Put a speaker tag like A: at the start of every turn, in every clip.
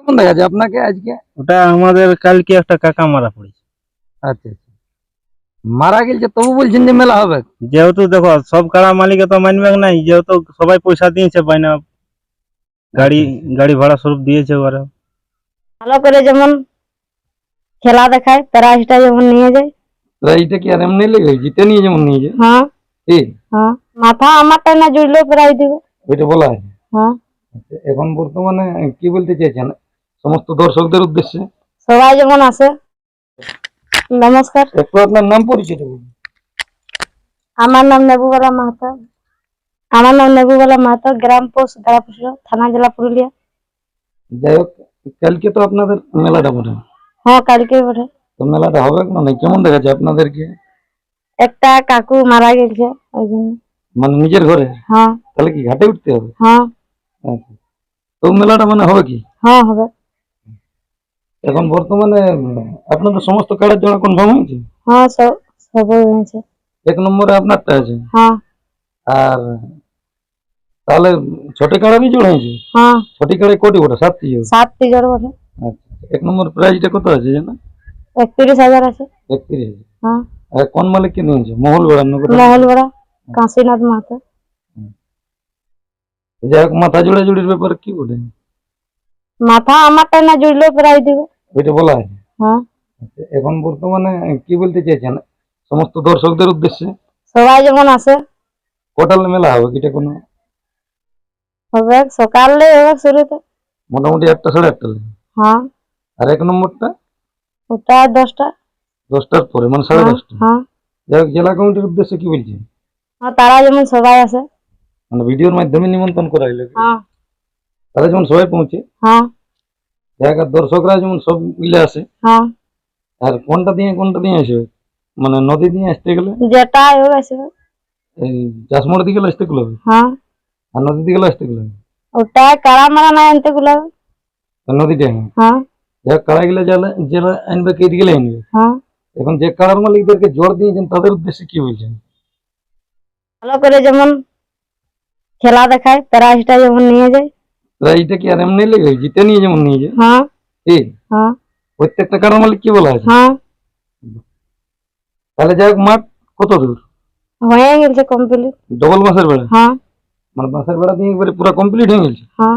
A: কোন দেখা যায় আপনাকে আজকে?
B: ওটা আমাদের কালকে একটা কাকা মারা পড়েছে।
A: আচ্ছা আচ্ছা, মারা গেছে তবু বলছেন যে মেলা হবে?
B: যেহেতু দেখো সব কাড়া মালিকে তো মানবে নাই, যেহেতু সবাই পয়সা দিয়েছে বাইনা, গাড়ি গাড়ি ভাড়া স্বরূপ দিয়েছে ওরা।
C: ভালো করে যেমন খেলা দেখায় প্রাইজটা যেমন নিয়ে যায়।
A: প্রাইজটা কি আর এমনি লেগে জিতে নিয়ে যেমন নিয়ে যায়?
C: হ্যাঁ
A: কি
C: হ্যাঁ, মাথা আমারটা না জুড়লেও প্রাইজ দিবে।
A: ওইটা বলা আছে?
C: হ্যাঁ,
A: আচ্ছা, এখন বর্তমানে কি বলতে চাইছেন সমস্ত দর্শকদের উদ্দেশ্যে?
C: সবাই যেমন আসে। নমস্কার,
A: একটু আপনার নাম পরিচয়টা বলুন।
C: আমার নাম নেবুবালা মাহাতো। আমার নাম নেবুবালা মাহাতো, গ্রাম পোস্ট গাড়াপুর, থানা জেলা পুরুলিয়া।
A: যাই হোক, কালকে তো আপনাদের মেলাটা বটে,
C: হ্যাঁ কালকে বটে।
A: তো মেলাটা হবে না নাই কেমন দেখাচ্ছে আপনাদেরকে?
C: একটা কাকু মারা গেছে ওই জন্য।
A: মানে নিজের ঘরে?
C: হ্যাঁ
A: তাহলে কি ঘাটে উঠতে হবে?
C: হ্যাঁ
A: আচ্ছা, তো মেলাটা মানে হবে কি
C: হ্যাঁ হবে।
A: এখন বর্তমানে আপনাদের সমস্ত কার্ডের জন্য কনফার্ম হয়েছে?
C: হ্যাঁ সবই হয়েছে।
A: এক নম্বরে আপনারটা আছে,
C: হ্যাঁ
A: আর তাহলে ছটি কাড়ারই জোড় হয়েছে?
C: হ্যাঁ,
A: ছটি কাড়ায় কোটি ওটা? 7টি জোড়?
C: 7টি জ্বর বটে।
A: আচ্ছা, এক নম্বর প্রাইজটা কত আছে জানা?
C: 31,000 আছে।
A: 31,000।
C: হ্যাঁ,
A: আর কোন মালিককে নিয়েছে? মহল বেড়ার নগর?
C: মহলবড়া কাশীনাথ মাহাতো।
A: যাই হোক, মাথা জোড়া জুড়ির ব্যাপারে কি বলে?
C: মাথা আমারটা না জুড়লেও প্রাইজ দিবে।
A: ওইটা বলা আছে?
C: হ্যাঁ,
A: আচ্ছা, এখন বর্তমানে কি বলতে চাইছেন সমস্ত দর্শকদের উদ্দেশ্যে?
C: সবাই যেমন আসে।
A: কটাল মেলা হবে কিটা কোনো?
C: হবে সকালে, হবে শুরুতে।
A: মোটামুটি 1টা সাড়ে 1টা লাগে।
C: হ্যাঁ,
A: আর এক নম্বরটা
C: ওটা 10টা।
A: 10টার পরে, মানে সাড়ে
C: হ্যাঁ
A: 10টা।
C: হ্যাঁ,
A: যাই হোক, জেলা কমিটির উদ্দেশ্যে কি বলছেন?
C: আর তারা যেমন সবাই আসে।
A: মানে ভিডিওর মাধ্যমে নিমন্ত্রণ করা হইলো কি?
C: হ্যাঁ
A: তারা যেমন সবাই পৌঁছে,
C: হ্যাঁ
A: যাই হোক, আর দর্শকরা যেমন সব মিলে আসে।
C: হ্যাঁ,
A: আর কোনটা দিয়ে আসবে? মানে নদী দিয়ে আসতে গেলে
C: যেটা হোক আসবে।
A: এই চাষমোড় দিকে আসতে গেলে হবে,
C: হ্যাঁ,
A: আর নদী দিকে আসতে গেলে হবে?
C: ওটা কারা মারা না আনতে গুলো।
A: আর নদীটা, হ্যাঁ।
C: হ্যাঁ
A: যাই হোক, কাড়া গেলে যারা আনবে কে দিকে আনবে?
C: হ্যাঁ,
A: এখন যে কাড়ার মালিকদেরকে জোর দিয়েছেন তাদের উদ্দেশ্যে কি বলছেন?
C: ভালো করে যেমন খেলা দেখায় প্রাইজটা যেমন নিয়ে যায়।
A: প্রাইজটা কি আর এমনি লেগে জিতে নিয়ে যেমন নিয়ে যায়?
C: হ্যাঁ
A: কি
C: হ্যাঁ
A: প্রত্যেকটা কাড়ার মালিক কি বলা আছে?
C: হ্যাঁ,
A: তাহলে যাই হোক, মাঠ কত দূর?
C: হয়ে গেছে কমপ্লিট।
A: ডবল বাঁশের বেড়া?
C: হ্যাঁ
A: মানে বাঁশের বেড়া দিয়ে একবারে পুরো কমপ্লিট হয়ে গেছে?
C: হ্যাঁ,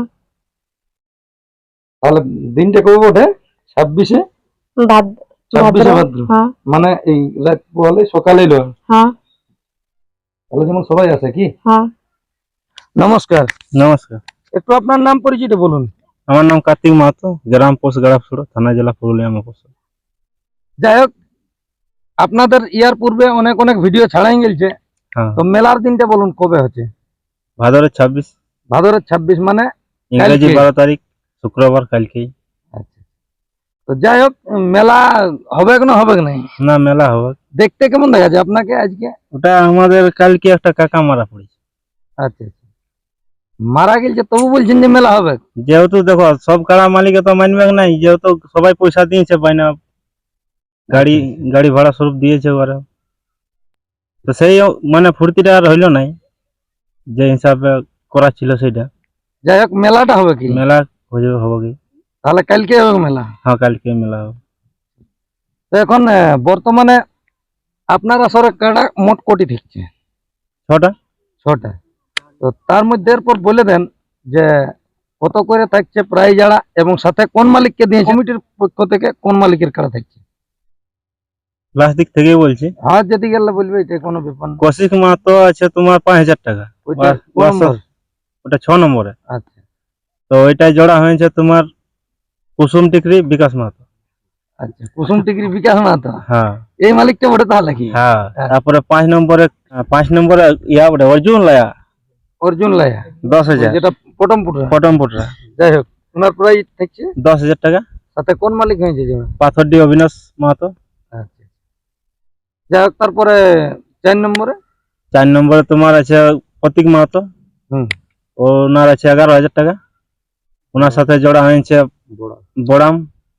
A: তাহলে দিনটা কবে ওঠে? 26শে
C: ভাদ্র।
A: ভাদ্র।
C: হ্যাঁ
A: মানে এই রাত পোহালে সকালে এলো।
C: হ্যাঁ
A: তাহলে যেমন সবাই আসে কি?
C: হ্যাঁ,
A: নমস্কার।
B: নমস্কার,
A: একটু আপনার নাম পরিচয়টা বলুন।
B: আমার নাম কার্তিক মাহাতো, গ্রাম পোস্ট গাড়াপুর, থানা জেলা পুরুলিয়া মফস্বল।
A: যাই হোক, আপনাদের ইয়ার পূর্বে অনেক অনেক ভিডিও ছাড়াই গেছে,
B: হ্যাঁ,
A: তো মেলার দিনটা বলুন কবে হচ্ছে?
B: ভাদরের 26,
A: ভাদরের 26 মানে
B: ইংরেজি
A: কালকে।
B: 12 তারিখ, শুক্রবার কালকেই।
A: আচ্ছা, তো যাই হোক, মেলা হবে না হবে নাই?
B: না, মেলা হবে।
A: দেখতে কেমন দেখা যায় আপনাকে আজকে?
B: ওটা আমাদের কালকে একটা কাকা মারা পড়েছে।
A: আচ্ছা আচ্ছা, মারা গেছে তবু বলছেন যে মেলা হবে?
B: যেহেতু দেখো সব কাড়া মালিকে তো মানবে নাই, যেহেতু সবাই পয়সা দিয়েছে বাইনা, গাড়ি গাড়ি ভাড়া স্বরূপ দিয়েছে ওরা। তো সেই মানে ফুর্তিটা আর হইলো নাই যে হিসাবে করা ছিল সেটা।
A: যাই হোক, মেলাটা হবে কি?
B: মেলা হবে কি?
A: তাহলে কালকে হবে মেলা?
B: হ্যাঁ, কালকে মেলা হবে।
A: তো এখন বর্তমানে আপনার আসরে কাড়া মোট কোটি থাকছে?
B: 6টা।
A: 6টা। তো তার মধ্যে এরপর বলে দেন যে কত করে থাকছে প্রাইজ আড়া, এবং সাথে কোন মালিককে দিয়েছে কমিটির পক্ষ থেকে, কোন মালিকের কাড়া থাকছে?
B: লাস্ট দিক থেকেই বলছি।
A: হ্যাঁ, যদি গেলে বলবে, এটা কোনো ব্যাপার না।
B: কৌশিক মাহাতো আছে তোমার 5,000 টাকা।
A: ওইটা কোন নম্বর?
B: ওটা 6 নম্বরে।
A: আচ্ছা
B: তো ওইটাই জোড়া হয়েছে তোমার কুসুম টিকরি বিকাশ মাহাতো।
A: আচ্ছা, কুসুম টিকরি বিকাশ মাহাতো,
B: হ্যাঁ
A: এই মালিকটা বটে তাহলে কি?
B: হ্যাঁ। তারপরে 5 নম্বরে ইয়া বটে অর্জুন লায়া,
A: অর্জুন লায়া,
B: 10,000।
A: যেটা পটমপুটরা।
B: পটমপুটরা।
A: যাই হোক, ওনার প্রাইজ থাকছে
B: 10,000 টাকা।
A: সাথে কোন মালিক হয়েছে যেমন?
B: পাথরডি অবিনাশ মাহাতো।
A: আচ্ছা, যাই হোক, তারপরে 4 নম্বরে?
B: 4 নম্বরে তোমার আছে প্রতীক মাহাতো।
A: হুম,
B: ওনার আছে 11,000 টাকা। ওনার সাথে জোড়া হয়েছে বড়াম,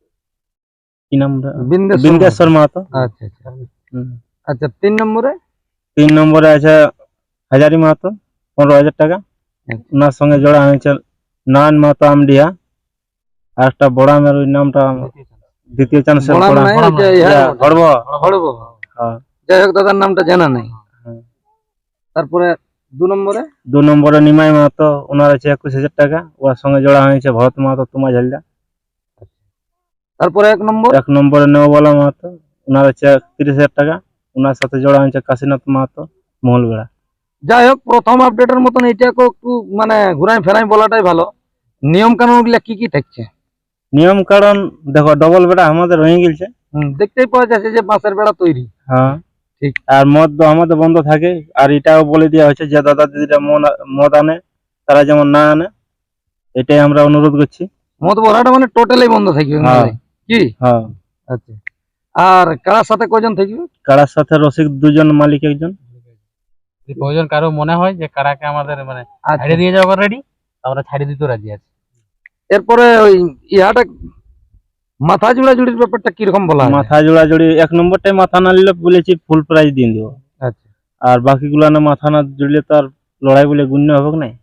B: কি নাম? বিন্দেশ্বর মাহাতো।
A: আচ্ছা আচ্ছা আচ্ছা, 3 নম্বরে?
B: 3 নম্বরে আছে হাজারি মাহাতো, 15,000 টাকা।
A: আচ্ছা।
B: ওনার সঙ্গে জোড়া হয়েছে নয়ন মাহাতো আমডিহা, আর একটা বড়ামের ওই নামটা দ্বিতীয় চান্সের
A: বড়াম নাই, ওই যে ইহা
B: হড়ব।
A: হড়ব।
B: হ্যাঁ
A: যাই হোক, দাদার নামটা জানা নাই।
B: হ্যাঁ।
A: তারপরে 2 নম্বরে
B: 2 নম্বরে নিমাই মাহাতো, ওনার আছে 21,000 টাকা। ওর সঙ্গে জোড়া হয়েছে ভরত মাহাতো তোমা ঝালদা।
A: তারপরে 1 নম্বর
B: 1 নম্বরে নেওবালা মাহাতো, ওনার আছে 30,000 টাকা। ওনার সাথে জোড়া হয়েছে কাশীনাথ মাহাতো মহলবেড়া।
A: যাই হোক, প্রথম আপডেটের মতন এইটাকে একটু মানে ঘুরাই ফেরাই বলাটাই ভালো। নিয়ম কানুন গুলা কি কি থাকছে?
B: নিয়ম কারণ দেখো, ডবল বেড়া আমাদের হয়ে গেছে।
A: দেখতেই পাওয়া যাচ্ছে যে বাঁশের বেড়া তৈরি।
B: হ্যাঁ
A: ঠিক।
B: আর মদ তো আমাদের বন্ধ থাকে। আর এটাও বলে দেওয়া হয়েছে যে দাদা দিদিরা মদ আনে তারা যেমন না আনে, এটাই আমরা অনুরোধ করছি।
A: মদ ভরাটা মানে টোটালি বন্ধ থাকবে
B: হ্যাঁ।
A: কি?
B: হ্যাঁ।
A: আচ্ছা। আর কারার সাথে কয়জন থাকবে?
B: কারার সাথে রসিক 2 জন, মালিক 1 জন।
D: যদি প্রয়োজন কারো মনে হয় যে কারাকে আমাদের মানে
A: আচ্ছা।
D: ছাড়িয়ে দিয়ে যাওয়ার রেডি, আমরা ছাড়িয়ে দিতে রাজি আছি।
A: এরপরে ওই ইহাটা মাথা জোড়া জুড়ির ব্যাপারটা কিরকম বলা হয়?
B: মাথা জোড়া জুড়ি 1 নম্বরটাই মাথা না নিলে বলেছি ফুল প্রাইজ দিয়ে দিব।
A: আচ্ছা।
B: আর বাকিগুলো না মাথা না জুড়লে তো আর লড়াই বলে গুণ্য হবে না।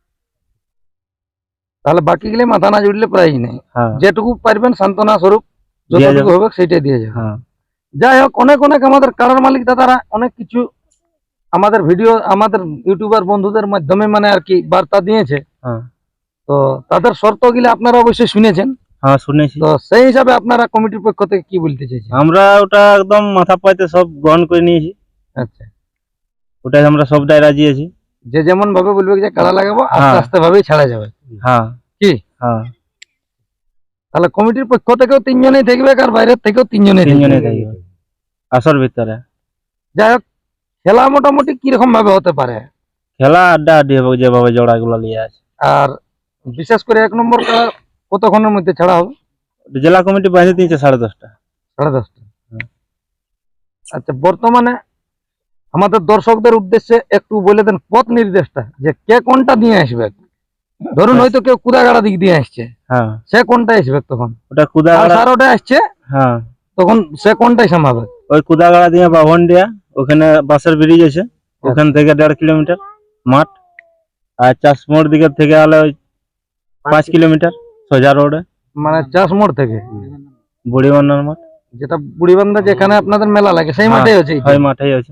A: তাহলে বাকি গেলে মাথা না জুড়লে প্রাইজ নেই।
B: হ্যাঁ
A: যেটুকু পারবেন সান্ত্বনা স্বরূপ
B: দেয়া
A: যতটুকু
B: যাবে।
A: হবে সেটাই দিয়ে যাবে।
B: হ্যাঁ
A: যাই হোক, অনেক অনেক আমাদের কারার মালিক দাদারা অনেক কিছু আমাদের ভিডিও, আমাদের ইউটিউবার বন্ধুদের মাধ্যমে মানে আর কি বার্তা দিয়েছে।
B: হ্যাঁ
A: তো তাদের শর্ত গুলো আপনারা অবশ্যই শুনেছেন।
B: হ্যাঁ শুনেছি।
A: তো সেই হিসাবে আপনারা কমিটির পক্ষ থেকে কি বলতে চাইছেন?
B: আমরা ওটা একদম মাথা পাইতে সব গ্রহণ করে নিয়েছি।
A: আচ্ছা।
B: ওটাই আমরা সবটাই রাজি আছি।
A: যে যেমন ভাবে বলবে যে কারা লাগাবো, আস্তে
B: হ্যাঁ।
A: আস্তে ভাবেই ছাড়া যাবে।
B: হ্যাঁ
A: কি?
B: হ্যাঁ
A: তাহলে কমিটির পক্ষ থেকেও 3 জনেই থাকবে, আর বাইরের থেকেও 3 জনেই
B: 3 জনে
A: থাকবে।
B: থাকবে আসর ভিতরে।
A: যাই হোক, খেলা মোটামুটি কিরকম ভাবে হতে পারে?
B: খেলা আড্ডা আড্ডি হবে যেভাবে জোড়াগুলো নিয়ে আছে।
A: আর বিশেষ করে 1 নম্বর খেলা কতক্ষণের মধ্যে ছাড়া হবে?
B: জেলা কমিটি বাইরে দিয়েছে 10:30টা।
A: 10:30।
B: হুম।
A: আচ্ছা, বর্তমানে আমাদের দর্শকদের উদ্দেশ্যে একটু বলে দেন পথ নির্দেশটা, যে কে কোনটা দিয়ে আসবে। ধরুন হয়তো কেউ কুদাগাড়া দিক দিয়ে আসছে,
B: হ্যাঁ
A: সে কোনটা আসবে তখন?
B: ওটা
A: আর
B: কুদাগাড়া।
A: সারোটা আসছে,
B: হ্যাঁ
A: তখন সে কোনটাই সামাবে?
B: ওই কুদাগাড়া দিয়ে বাভনডিয়া, ওখানে বাসের ব্রিজ আছে, ওখান থেকে 1.5 কিলোমিটার মাঠ। আর চাষ মোড় দিকের থেকে আলে ওই 5 কিলোমিটার সোজা রোডে
A: মানে চাষ মোড় থেকে
B: বুড়ি বান্নার মাঠ।
A: যেটা বুড়িবান্ধা, যেখানে আপনাদের মেলা লাগে সেই
B: হ্যাঁ,
A: মাঠেই হচ্ছে এইটা?
B: ওই মাঠেই আছে।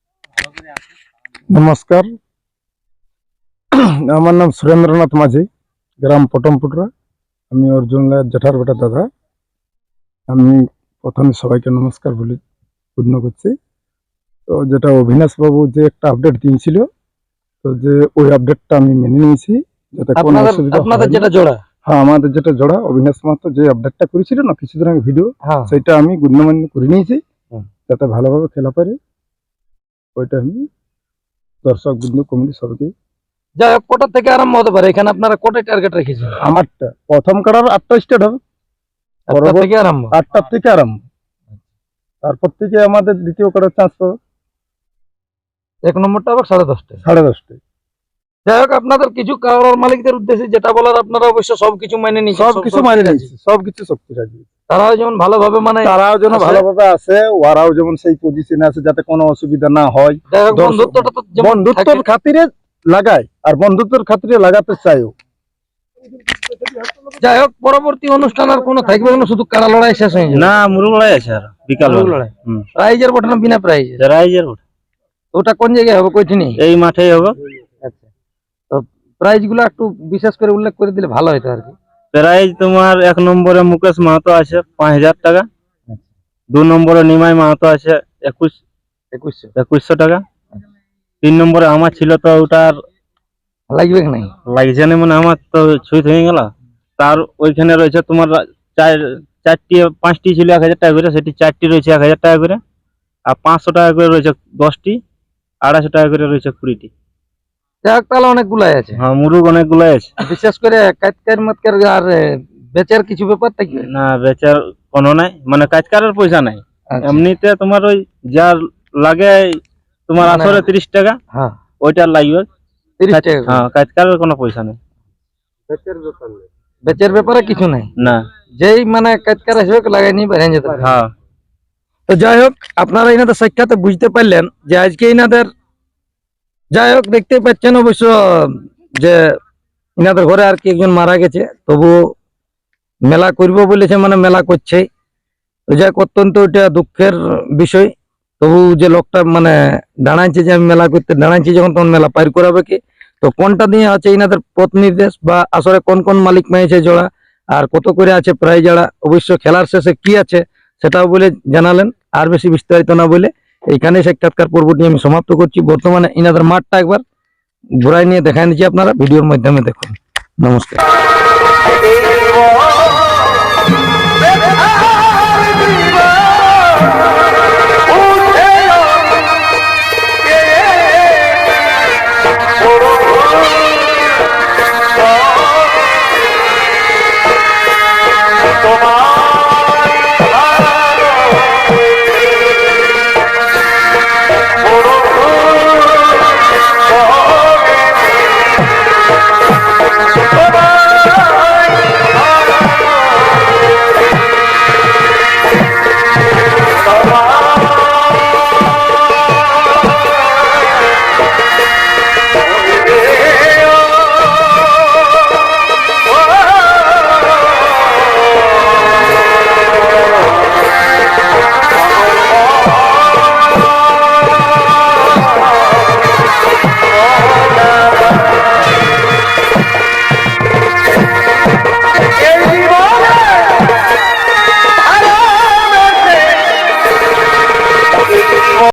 E: নমস্কার, আমার নাম সুরেন্দ্রনাথ মাঝি, গ্রাম পটমপুটরা। আমি অর্জুন লায়ের জেঠার বেটা দাদা। আমি প্রথমে সবাইকে নমস্কার বলে পূর্ণ করছি। তো যেটা অভিনাশ বাবু যে একটা আপডেট দিয়েছিল, তো যে ওই আপডেটটা আমি মেনে নিয়েছি, যাতে কোনো অসুবিধা
A: আপনাদের
E: হয় না।
A: যেটা জোড়া?
E: হ্যাঁ, আমাদের যেটা জোড়া অভিনাশ মাহাতো যে আপডেটটা করেছিল না কিছুদিন আগে ভিডিও,
A: হ্যাঁ।
E: সেটা আমি গণ্যমান্য করে নিয়েছি,
A: হুম।
E: যাতে ভালোভাবে খেলা পারে। ওইটা আমি দর্শক বিন্দু কমিটি সবাইকে।
A: যাই হোক, কোটা থেকে আরম্ভ হতে পারে? এখানে আপনারা কোটায় টার্গেট রেখেছেন?
E: আমারটা প্রথম কাড়ার 8টা স্টার্ট হবে,
A: 8টা থেকে আরম্ভ?
E: 8টার থেকে আরম্ভ। তারপর থেকে আমাদের দ্বিতীয় কাড়ার চান্স পাবে
A: 1 নম্বরটা আবার 10:30টায়।
E: 10:30টায়।
A: যাই হোক, আপনাদের কিছু কারোর মালিকদের উদ্দেশ্যে যেটা বলার, আপনারা অবশ্য সবকিছু মেনে নিচ্ছেন,
E: সবকিছু মানে নিয়েছি, সবকিছু শক্তি রাজি।
A: তারাও যেমন ভালোভাবে মানে,
E: তারাও যেন
A: আছে।
E: ভালোভাবে আসে, ওরাও যেমন সেই পজিশনে আছে, যাতে কোনো অসুবিধা না হয়।
A: যাই হোক,
E: দর্শক-
A: বন্ধুত্বটা তো যেমন
E: বন্ধুত্বের
A: থাকে।
E: খাতিরে লাগায়, আর বন্ধুত্বের খাতিরে লাগাতে চাইও।
A: যাই হোক, পরবর্তী অনুষ্ঠান আর কোনো থাকবে না, শুধু কাড়া লড়াই শেষ হয়ে যাবে?
B: না, মুরগ লড়াই আছে আর বিকাল
A: মুরগ লড়াই।
B: হুম।
A: প্রাইজের বটে না বিনা প্রাইজ?
B: রাইজের
A: ওটা কোন জায়গায় হবে, কইছিনি?
B: এই মাঠেই হবে।
A: আচ্ছা, তো প্রাইজ গুলো একটু বিশেষ করে উল্লেখ করে দিলে ভালো হতো আর কি।
B: প্রাইজ তোমার 1 নম্বরে মুকেশ মাহাতো আছে 5,000 টাকা। 2 নম্বরে নিমাই মাহাতো আছে 2100 টাকা। 3 নম্বরে আমার ছিল, তো ওটার
A: লাগবে কি নাই?
B: লাগছে না, মানে আমার তো ছুঁত হয়ে গেল। তার ওইখানে রয়েছে তোমার 5টি ছিল 1,000 টাকা করে, সেটি 4টি রয়েছে 1,000 টাকা করে। আর 500 টাকা করে রয়েছে 10টি, 250 টাকা করে রয়েছে 20টি।
A: যাই হোক, তাহলে অনেকগুলাই আছে।
B: হ্যাঁ, মুরগ অনেকগুলাই আছে।
A: বিশেষ করে কাটকার মাতকার আর বেচার কিছু ব্যাপার থাকবে?
B: না, বেচার কোনো নাই, মানে কাজকারের পয়সা নাই।
A: আচ্ছা।
B: এমনিতে তোমার ওই যার লাগে তোমার
A: মানে-
B: আসরে 30 টাকা,
A: হ্যাঁ,
B: ওইটার লাগবে
A: 30 টাকা করে।
B: হ্যাঁ, কাজকারের কোনো পয়সা নেই।
A: বেচের ব্যাপারে কিছু নাই,
B: না।
A: যেই মানে কাজকার আসবে লাগাই নিয়ে বেরিয়ে যেতে পারে।
B: হ্যাঁ
A: তো যাই হোক, আপনারা এনাদের সাক্ষাতে বুঝতে পারলেন যে আজকে এনাদের, যাই হোক দেখতে পাচ্ছেন অবশ্য যে এনাদের ঘরে আর কি একজন মারা গেছে, তবু মেলা করব বলেছে, মানে মেলা করছে। তো যাই হোক, অত্যন্ত এটা দুঃখের বিষয়। তবু যে লোকটা মানে দাঁড়াইছে যে আমি মেলা করতে দাঁড়াইছি, যখন তখন মেলা পার করাবে কি? তো কোনটা দিয়ে আছে ইনাদের পথ নির্দেশ, বা আসলে কোন কোন মালিক পেয়েছে জোড়া, আর কত করে আছে প্রায় জোড়া, অবশ্য খেলার শেষে কি আছে সেটাও বলে জানালেন। আর বেশি বিস্তারিত না বলে এইখানে সাক্ষাৎকার পর্বটি আমি সমাপ্ত করছি। বর্তমানে ইনাদের মাঠটা একবার ঘুরাই নিয়ে দেখাই দিচ্ছি, আপনারা ভিডিওর মাধ্যমে দেখুন। নমস্কার।
F: তোমার